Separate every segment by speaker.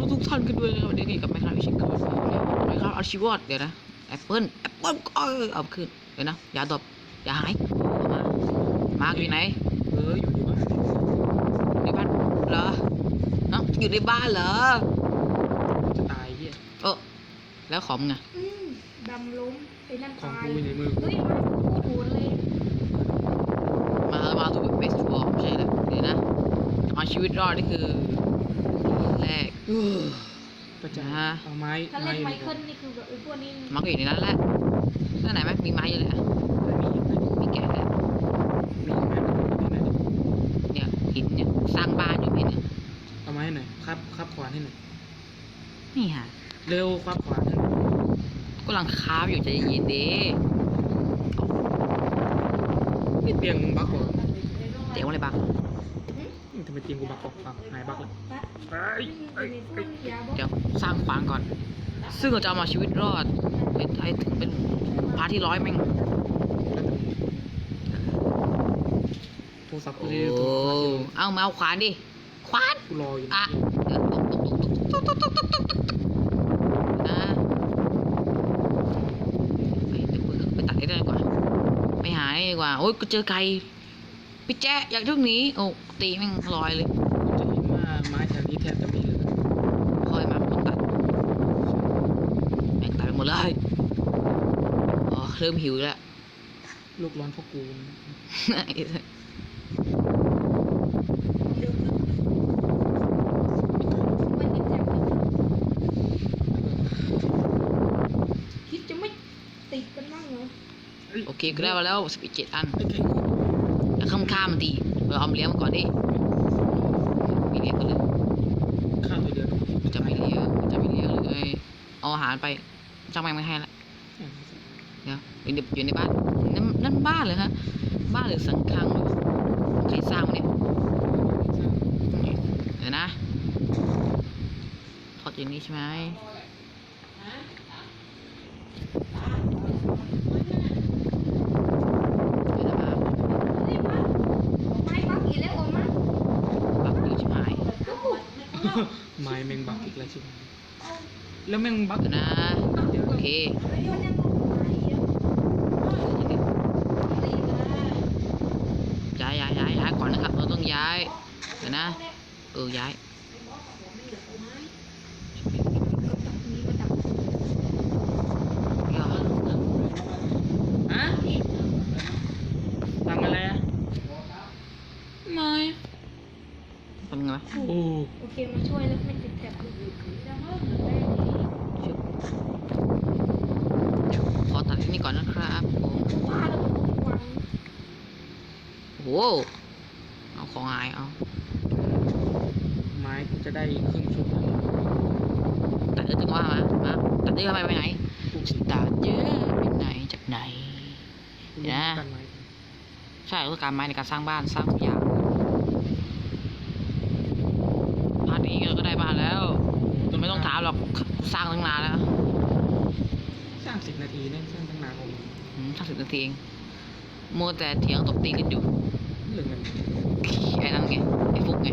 Speaker 1: ทุกท่านกันด้วยนะครับวันนี้กับไม่ครับวิชิกรไม่ครับอาชีวอดเดี๋ยวนะแอปเปิ้ลเอาขึ้นเดี๋ยวนะอย่าดบอย่าหายมาอยู่ไหน
Speaker 2: อยู่ในบ้าน
Speaker 1: ในบ้านเหรอเนาะอยู่ในบ้านเหรอ
Speaker 2: จะตายเหี้ย
Speaker 1: แล้วของไง
Speaker 3: ดำล้มไอ้นั่น
Speaker 2: ของ
Speaker 3: ตาย
Speaker 2: กูในมือ
Speaker 3: เฮ้ยมันพูดโหดเลย
Speaker 1: มาถูกเบสบอลไม่ใช่แล้วเดี๋ยวนะเอาชีวิตรอดนี่คือแรก
Speaker 2: ประจาเอาไม้
Speaker 3: ถ้าเล่นไมเคิลนี่คือแบบพวกนี้
Speaker 1: มันก็อยู่ในนั้นแหละนั่นไหนไหมมีไม้เยอะเลยมีแก่เลย
Speaker 2: มีไม้มันอยู่ในนั้น
Speaker 1: เนี่ยหินเนี่ยสร้างบ้านอยู่หินเนี่ย
Speaker 2: เอาไม้หน่อยครับขวานให้หน่อย
Speaker 1: นี่ฮะ
Speaker 2: เร็วครับขวานให้
Speaker 1: กำลังคาบอยู่ใจเย็นดี
Speaker 2: นี่เตียงบักเหรอ
Speaker 1: เตียงอะไรบัก
Speaker 2: ทำไมเตียงกูบักออกฟังหายบักเลย
Speaker 1: เดี๋ยวสร้างขวางก่อนซึ่งเราจะเอามาชีวิตรอดเป็นไทยถึงเป็นพาที่100แม่ง
Speaker 2: โทรศัพท์กู
Speaker 1: โอ้เอามาเอาขวานดิขวาน
Speaker 2: กูรออยู่
Speaker 1: อ่ะเดี๋ยวนะไปตัดได้กว่าไปหาดีกว่าโอ้ยกูเจอไก่พี่แจ๊อยากทุกนี้โอ้ตีแม่งลอยเลย
Speaker 2: จะเห็นว่าไม้แถวนี้แทบจะมีเลย
Speaker 1: คอยมาต้องตัดแม่งตัดไปหมดเลยอ๋อเริ่มหิวแล้ว
Speaker 2: ลูกร้อนเพราะกู
Speaker 3: คิดจะไม่ติดกันบ้างเหรอ
Speaker 1: โอเคก็ได้มาแล้ว17 อันแล้วข้ามมันตีเราเอาเลี้ยงมันก่อนดิมีเลี้ยงกันเลย
Speaker 2: ข้าวตัวเดียว
Speaker 1: จะไม่เลี้ยงเลยเอาอาหารไปจ้างแม่งไม่ให้ละเดี๋ยวอยู่ในบ้านนั่นบ้านเลยฮะบ้านหรือสังฆังใครสร้างเนี่ยเดี๋ยวนะทอดอย่างนี้ใช่ไหม
Speaker 2: ไม้แมงบักอีกแล้วใช่ไหมแล้วแมงบัก
Speaker 1: นะโอเคย้ายก่อนนะครับเราต้องย้ายเดี๋ยวนะย้าย
Speaker 2: ฮะทำอะไรอ่ะ
Speaker 1: ไม่ทำไงวะ
Speaker 3: โอเคมาช่วยแล้วไม่ติดแถบ
Speaker 1: ขอตัดที่นี่ก่อนนะครับโอ้โหเอาของหายเอา
Speaker 2: ไม้จะได้ครึ่งชุด
Speaker 1: ตัดจังว่ามาตัดได้ไปไหนตัดเยอะไปไหนจากไหนนะใช่ต้องการไม้ในการสร้างบ้านสร้างทุกอย่างพาร์ทนี้เราก็ได้บ้านแล้วไม่ต้องถามหรอกสร้างตั้งนานแล้ว
Speaker 2: สร้าง10 นาทีเนี่ยสร้างตั้งนานผม
Speaker 1: สร้าง10 นาทีเองโมแต่เถียงตบตีกันอยู่
Speaker 2: เรื่องอะไร
Speaker 1: ไอ้นั่นไงไอ้ฟุกไง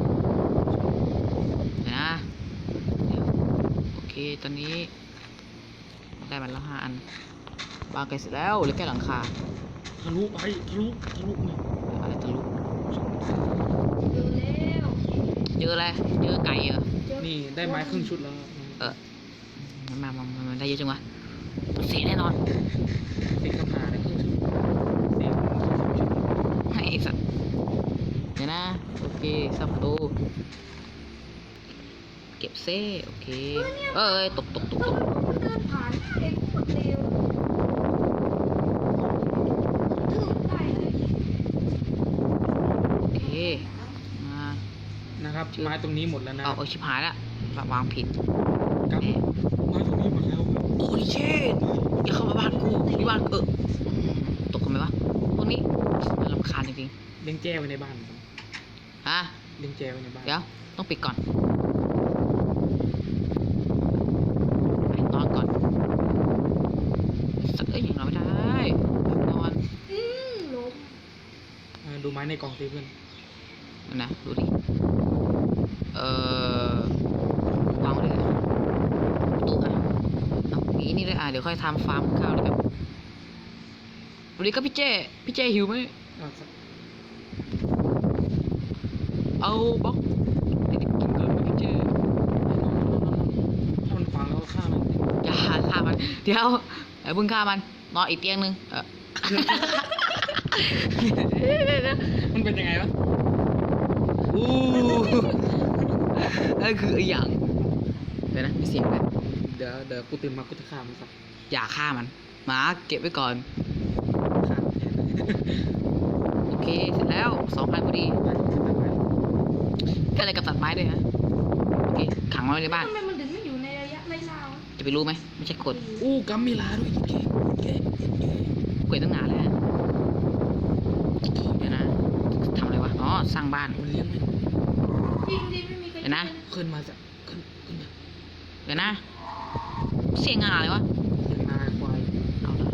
Speaker 1: นะโอเคตอนนี้ได้มาแล้ว5 อันบางไกลเสร็จแล้วเหลือแค่หลังคา
Speaker 2: ทะลุไปทะลุเนี่ย
Speaker 1: อะไรทะลุ
Speaker 3: เจอแล้ว
Speaker 1: เจอไก่เหรอ
Speaker 2: นี่ได้ไม้ครึ่งชุดแล้ว
Speaker 1: มันได้เยอะจังวะเสียแน่นอน
Speaker 2: เสียคำหาได้ครึ่งชุดเสีย
Speaker 1: ไอ้สัตว์เดี๋ยวนะโอเคสับประตูเก็บเซ่โอเคตก
Speaker 3: เดินผ่านเองโคตรเร็ว
Speaker 1: โอเคมา
Speaker 2: นะครับไม้ตรงนี้หมดแล้วนะ
Speaker 1: เอาชิบหายละวางผิด
Speaker 2: ครับไม้ตรงนี้หมดแล้ว
Speaker 1: โอ้ยเช่อย่าเข้ามาบ้านกูนี่บ้านตกกันไหมวะพวกนี้มันรำคาญจริง
Speaker 2: ๆเลี้ยงแจ้ไว้ในบ้าน
Speaker 1: ฮะ
Speaker 2: เลี้ยงแจ้ไว้ในบ้าน
Speaker 1: เดี๋ยวต้องปิดก่อนนอนก่อนสักอย่างเราไม่ได้นอน
Speaker 2: ดูไม้ในกล่องสิเพื่อน
Speaker 1: นะดูดิวนี่ด้วยเดี๋ยวค่อยทำฟาร์มข้าวแล้วกันสวัสดีครับพี่เจหิวไหม
Speaker 2: เอาสัก
Speaker 1: เอาบล็อกเด็กๆกินก่อนนะพี่เจ
Speaker 2: ถ้ามันฟังแล้วก็ฆ่ามัน
Speaker 1: อย่าฆ่ามันเดี๋ยวเพิ่งฆ่ามันนอนอีกเตียงนึง
Speaker 2: มันเป็นยังไงวะ
Speaker 1: อู้นั่นคือไอ้อย่างเดี๋ยวนะมีเสียงไหม
Speaker 2: เดี๋ยวกูตื่นมากูจะฆ่ามันสัก
Speaker 1: อย่าฆ่ามันหมาเก็บไว้ก่อน
Speaker 2: ฆ่า
Speaker 1: โอเคเสร็จแล้ว2,000พอดีก็อะไรกับตัดไม้ด้วยฮะโอเคขังไว้ในบ้าน
Speaker 3: ทำไมมันถึงไม่อยู่ในระยะไล่ล่าวะ
Speaker 1: จะไปรู้ไหมไม่ใช่กด
Speaker 2: อู้กัมมีลาด้วยเก๋เก๋
Speaker 1: เกวยตั้งนานแล้วเดี๋ยวนะทำอะไรวะอ๋อสร้างบ้าน
Speaker 2: มันเลี้ยงไหม
Speaker 3: จริงดิไม่มีใคร
Speaker 1: เดี๋ยวนะ
Speaker 2: ขึ้นมาสักขึ้นมา
Speaker 1: เดี๋ยวนะเสียงอะไรวะ
Speaker 2: เลี้ยงนาควาย
Speaker 1: เอาละ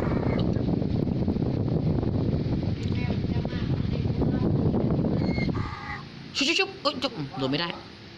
Speaker 1: ชุบเอ้ยจุ๊บโดนไม่ได้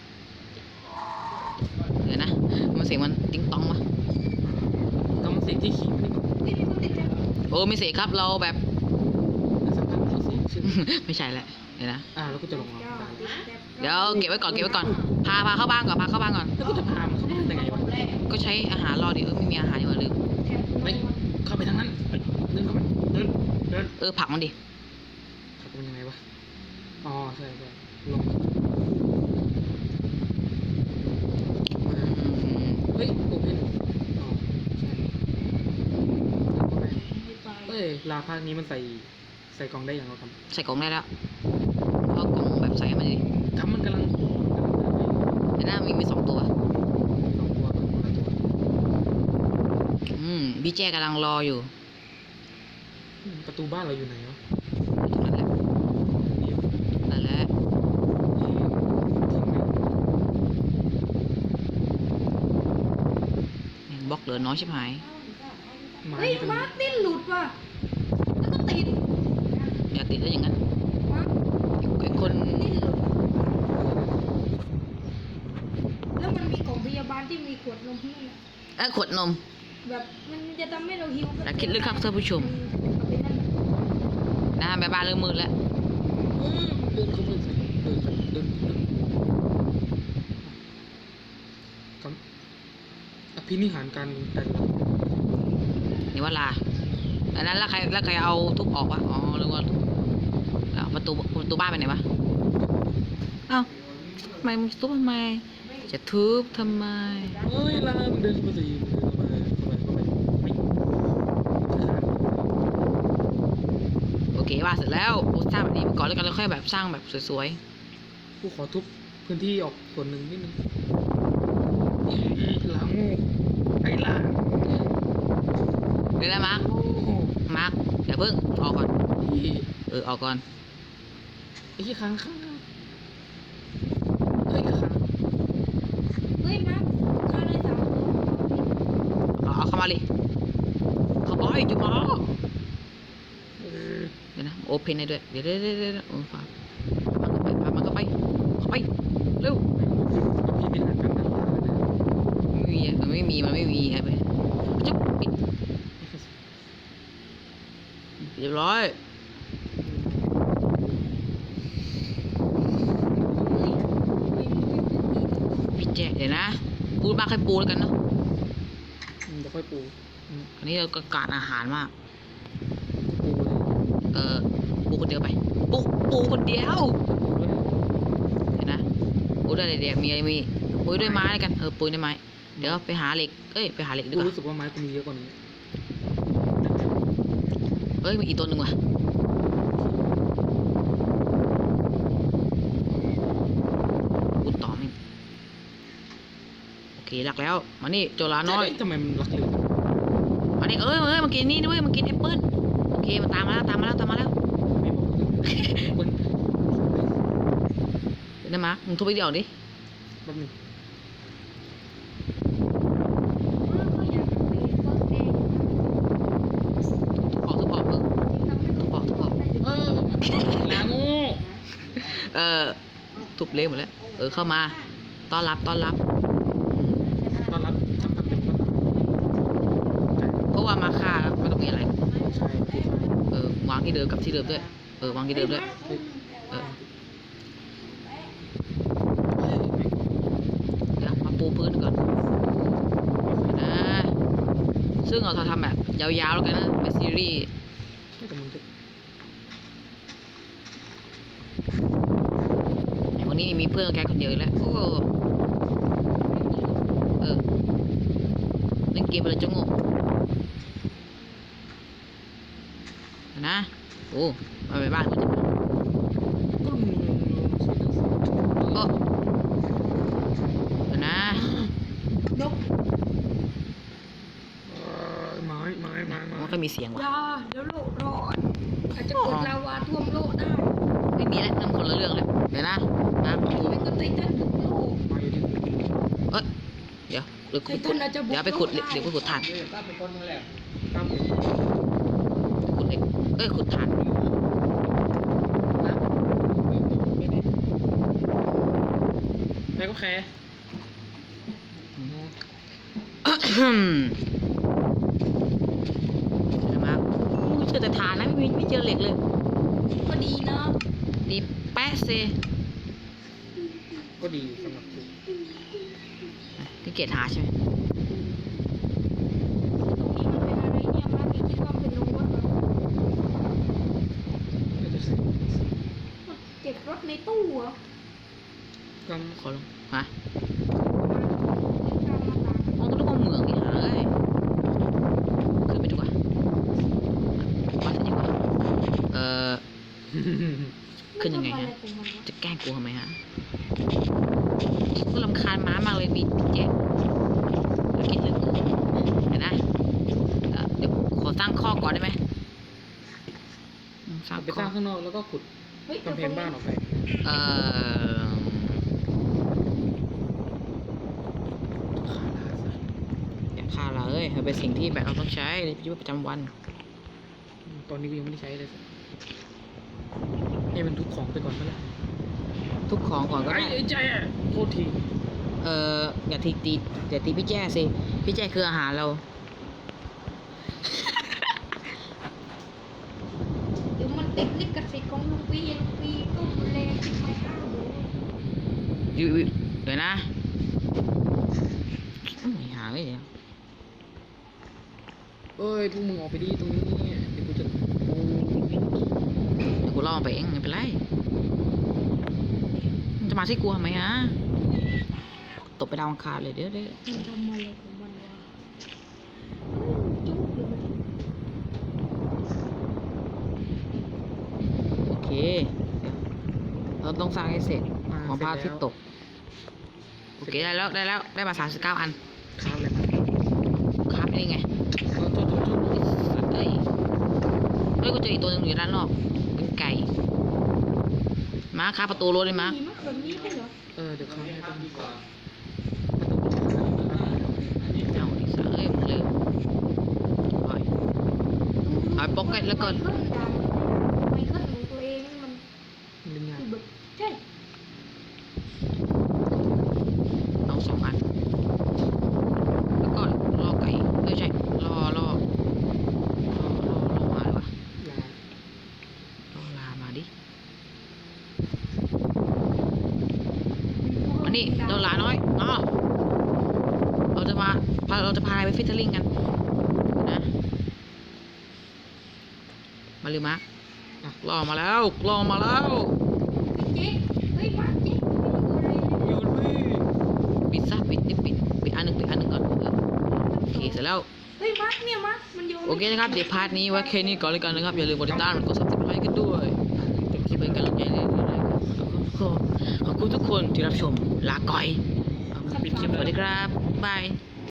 Speaker 1: เดี๋ยวนะมันเสียงมันติ๊งตองวะ
Speaker 2: ก็มันเสียงที่ขี่มันนี่ก็
Speaker 3: นี่มีคนติดแท็บ
Speaker 1: โอ้ไม่เสียครับเราแบบ
Speaker 2: สักพักเขาเสียงชื่อ
Speaker 1: ไม่ใช่แหละเดี๋ยวนะ
Speaker 2: แล้วก็จะลงมาได้
Speaker 1: เดี๋ยวเก็บไว้ก่อนพาเข้าบ้านก่อนพาเข้าบ้านก่อน
Speaker 2: แล้วกูจะพามันเข้าบ้านยังไงวะ
Speaker 1: ก็ใช้อาหารรอดิไม่มีอาหารอยู่ลืม
Speaker 3: แท็บ
Speaker 2: ไปเข้าไปทางนั้นไปเดินเข้าไปเดิน
Speaker 1: ผลักมันดิ
Speaker 2: ขับเป็นยังไงวะอ๋อใช่ลง เฮ้ยโอเพนอ๋อใช่เอ้ยลาภาคนี้มันใส่กล่องได้อย่างเราท
Speaker 1: ใส่กล่องได้แล้วเอากล่องแบบใส่ให้มันดิ
Speaker 2: ำทำมันกำลัง
Speaker 1: แต่หน้ามี2 ตัว
Speaker 2: สองตัวตัว
Speaker 1: พี่แจ้กำลังรออยู่
Speaker 2: ประตูบ้านเราอยู่ไหนวะ
Speaker 1: ตรงนั้นแหละ
Speaker 2: เดี๋ยว
Speaker 1: นั่นแหละบล็อกเหลือน้อยชิบหาย
Speaker 2: ไม้
Speaker 3: เฮ้ยมาร์คดิ้นหลุดว่ะแล้วก็ติด
Speaker 1: อย่าติดได้อย่างนั้น
Speaker 3: มาร์ค
Speaker 1: ไอ้คน
Speaker 3: ดิ้นหลุดแล้วมันมีกล่องพยาบาลที่มีขวดนมนี่นะ
Speaker 1: ขวดนม
Speaker 3: แบบมันจะทำให้เราหิว
Speaker 1: อย่าคิดลึกครับท่านผู้ชม
Speaker 3: เอาไปนั่น
Speaker 1: แม่บ้านเริ่มมืดแล้ว
Speaker 2: เดินเข้ามาใส่เดินกับอภินิหารการแต่ละ
Speaker 1: นี่ว่าลาอันนั้นแล้วใครเอาทุบออกวะอ๋อหรือว่าเอาประตูบ้านไปไหนวะเอ้าทำไมมึงทุบทำไมจะทุบทำไม
Speaker 2: เฮ้ยลามันเดินเข้ามาสิเข้าไปไม่
Speaker 1: โอเควาดเสร็จแล้วสร้างแบบนี้ก่อนแล้วกันแล้วค่อยแบบสร้างแบบสวย
Speaker 2: กูขอทุบพื้นที่ออกส่วนหนึ่งนิดนึงลาโง่ไอ้ลา
Speaker 1: ๆเดี๋ยวนะมาร์คเดี๋ยวเพิ่งออกก่อนออกก่อน
Speaker 2: ไอ้ที่ค้างเฮ้ยค้าง
Speaker 3: เฮ้ยมาร์คฆ่าได้3 ตัว
Speaker 1: เอาเข้ามาดิเข้าไปจุ๊บมาเดี๋ยวนะโอเพนได้ด้วยเดี๋ยวโอ้ฝากมันก็ไปเร็ว
Speaker 2: พี่เป็นหางกันนะ
Speaker 1: ไม่มีมันไม่มีไอ้ไปจุ๊บปิดเรียบร้อยพี่แจ๊เดี๋ยวนะปูมากให้ปูแล้วกันเนาะ
Speaker 2: เดี๋ยวค่อยปู
Speaker 1: อันนี้เราก็การอาหารมาก
Speaker 2: ปูเลย
Speaker 1: ปูคนเดียวไปปูคนเดียวเห็นนะปูได้เลยเดี๋ยวมีปูด้วยไม้แล้วกันปูด้วยไม้เดี๋ยวไปหาเหล็กไปหาเหล็กดี
Speaker 2: กู
Speaker 1: กว่า
Speaker 2: รู้สึกว่าไม้กูมีเยอะกว่านี้
Speaker 1: มีอีกตัวหนึ่งว่ะพูดต่อไม่โอเครักแล้วมานี่โจลาน้อย
Speaker 2: ทำไมมันรักเร็ว
Speaker 1: มานี่มากินนี่ด้วยมากินแอปเปิ้ลโอเคมันตามมาแล้ว
Speaker 2: ไม่บอก
Speaker 1: เดี๋ยวนะมาร์คมึงทุบไปเดี๋ยวดิ
Speaker 2: แป๊บนึง
Speaker 3: ก็อยากไปก็เอง
Speaker 1: ทุบออก
Speaker 3: ทำให้เรา
Speaker 1: ทุบออก
Speaker 2: ลาโง่
Speaker 1: ทุบเละหมดแล้วเข้ามาต้อนรับ
Speaker 2: ตอนรับทำกับเป็น
Speaker 1: ที่เดิมกับที่เดิมด้วยวางที่เดิมด้วย
Speaker 2: เฮ้ย
Speaker 1: เออเดี๋ยวมาปูพื้นก่อนนะซึ่งเราทำแบบยาวๆแล้วกันนะเป็นซีรีส์
Speaker 2: ไม่แต่มึงจะ
Speaker 1: วันนี้มีเพื่อนแค่คนเดียวอีกแล้วโอ้เล่นเกมไปเลยจะงงนะโอ้มาไปบ้านกูจะ
Speaker 2: ก็มึงใช้หนังสือ
Speaker 1: โอ้นะ
Speaker 3: นก
Speaker 2: ไม้
Speaker 1: มันก็มีเสียงว่ะ
Speaker 3: ยาเดี๋ยวโลกร้อนอาจจะเกิดลาวาท่วมโลกได้
Speaker 1: ไม่มีแล้วนั่นคนละเรื่องแล้วเดี๋ยวนะปู
Speaker 3: ไม่ก็ไททันบุกโลก
Speaker 2: ไม้ดิ
Speaker 1: เดี๋ยวหรือ
Speaker 3: ไททันอาจจะบุก
Speaker 1: เดี๋ยวไปขุด
Speaker 3: โลก
Speaker 1: เดี๋ยวไปขุดถ่าน
Speaker 2: ตั้มเป็นคนนั่นแหละตั้มเป็น
Speaker 1: ขุดเหล็กขุดถ่านนะ
Speaker 2: ไม่ได้แม่ก็แค่
Speaker 1: ใช่ไหมเจอแต่ถ่านนะไม่เจอเหล็กเลย
Speaker 3: ก็ดีนะ
Speaker 1: ดีแป๊ะเซ
Speaker 2: ก็ดีสำหรับกู
Speaker 1: ที่เกตหาใช่ไหม
Speaker 3: ตรงนี้มันเป็นอะไรเนี่ยมาพี่คิดว่ามันเป็นโรงรถเหรอ
Speaker 2: ก็จะใส่
Speaker 3: เก็บรถในตู้เหรอ
Speaker 2: ก
Speaker 1: ขอลงฮะ
Speaker 3: ตามมาตาม
Speaker 1: อ๋อก็ต้องเอาเหมืองนี่หาเลยขึ้นไปดีกว่าวัดกันดีกว่า
Speaker 2: ำ
Speaker 1: ขึ้นยังไง
Speaker 3: มั
Speaker 1: ฮะ
Speaker 3: ทำอะรของมันวะ
Speaker 1: จะแกล้งกูทำไมฮะกูรำคาญม้ามากเลยมีแจ๊กแล้วกินเรื่องกูเดี๋ยวนะเดี๋ยวขอสร้างข้อก่อนได้ไหมสร้าง
Speaker 2: ไป
Speaker 1: ข้
Speaker 2: ส
Speaker 1: อ
Speaker 2: ร้างข้างนอกแล้วก็ขุด
Speaker 3: เฮ้ย
Speaker 2: กำแพงบ้านออกไป
Speaker 1: เอ่ออย่าฆ่าเราเอ้ยมันเป็นสิ่งที่แบบเราต้องใช้ในชีวิตประจำวัน
Speaker 2: ตอนนี้กูยังไม่ได้ใช้เลยสักให้มันทุกของไปก่อนเมื่อไหร่
Speaker 1: ทุกของก่อนก็ได้
Speaker 2: ไอ้ใจอ่ะโทษที
Speaker 1: อย่าอย่าตีพี่แจ้สิพี่แจ้คืออาหารเรา
Speaker 3: เดี๋ยวมันติดลิขสิทธิ์ของลุงปีก็ดูแลที่ไม่ห้ามเลย
Speaker 1: อยู่เดี๋ยวนะไม่หาเลยเดี๋ยว
Speaker 2: เอ้ยพวกมึงออกไปดีตรงนี้เดี๋ยวกูจะโอ้
Speaker 1: เดี๋ยวกูล่อมันไปเองไม่เป็นไรมันจะมาที่กูทำไมฮะตบไปดาวอังคารเลยเดี๋ยว
Speaker 3: มันทำอะไรของมันวะจุ๊บเลยมัน
Speaker 1: โอเคเดี๋ยวเราต้องสร้างให้เสร็จของพระอาทิตย์ตกโอเคได้แล้วได้มา39 อัน
Speaker 2: ข้ามเลยมา
Speaker 1: ครับนี่ไง
Speaker 2: โทษ
Speaker 1: สัตว์เฮ้ยกูเจออีกตัวหนึงอยู่ด้านนอกเป็นไก่มาครับประตูรถเลยมา
Speaker 3: มีมากแบบนี้ได้เหรอ
Speaker 2: เดี๋ยวข้ามให้ต้องดีกว่า
Speaker 1: เอาอีกสักมึงเร็วเอาป๊อกเก็ตแล้วก็
Speaker 3: ไม่ขึ้นของตัวเองมัน
Speaker 2: เล่นงาน
Speaker 3: คือแบบใช่
Speaker 1: เอา2 อันแล้วก็ล่อไก่ไม่ใช่ล่อมาเลยวะ
Speaker 2: ลา
Speaker 1: ล่อลามาดิอันนี้เราลาน้อยเราจะพาไปฟิชเชอร์ลิงกันนะมาลืมมะล่อมาแล้ว
Speaker 3: เจ๊เฮ้ยมาเจ๊ไม่รู้อะไรเลย
Speaker 2: โยนไม่
Speaker 1: ปิดซะปิดอันหนึ่งก่อนโอเคเสร็จแล้ว
Speaker 3: เฮ้ยมาเนี่ยมามันโยน
Speaker 1: โอเคนะครับเดี๋ยวพาร์ทนี้ไว้แค่นี้ก่อนเลยกันนะครับอย่าลืมกดติดตามกด subscribe กันด้วยเป็นคลิปเป็นกำลังใจเลยขอบคุณทุกคนที่รับชมลาก่อย
Speaker 2: ปิดคลิป
Speaker 1: สวัสดีครับบาย